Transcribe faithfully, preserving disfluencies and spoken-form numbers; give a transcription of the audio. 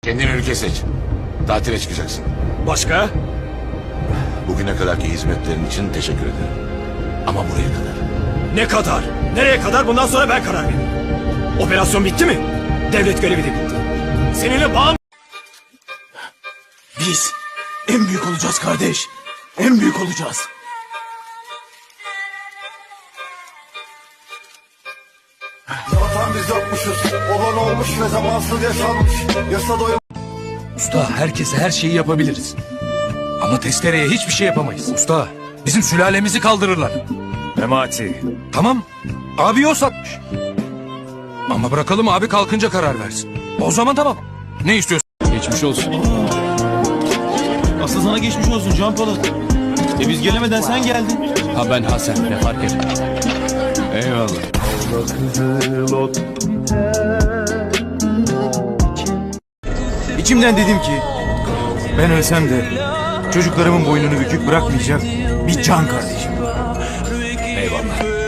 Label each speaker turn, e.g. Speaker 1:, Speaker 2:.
Speaker 1: Kendine ülke seç. Tatile çıkacaksın.
Speaker 2: Başka?
Speaker 1: Bugüne kadarki hizmetlerin için teşekkür ederim. Ama buraya kadar.
Speaker 2: Ne kadar? Nereye kadar? Bundan sonra ben karar veririm. Operasyon bitti mi? Devlet görevi de bitti. Seninle bağım... Biz en büyük olacağız kardeş. En büyük olacağız.
Speaker 3: Zaten biz yokmuşuz. Olan olmuş ve zamansız yaşanmış. Yasa doyum.
Speaker 4: Usta, herkese her şeyi yapabiliriz. Ama testereye hiçbir şey yapamayız. Usta, bizim sülalemizi kaldırırlar.
Speaker 2: Memati.
Speaker 4: Tamam, abi o satmış. Ama bırakalım abi kalkınca karar versin. O zaman tamam. Ne istiyorsun?
Speaker 5: Geçmiş olsun. Asıl sana geçmiş olsun Can Polat. E biz gelemeden sen geldin. Ha ben Hasan, ne fark eder. Eyvallah.
Speaker 6: İçimden dedim ki ben ölsem de çocuklarımın boynunu bükük bırakmayacak bir can kardeşim.
Speaker 5: Eyvallah.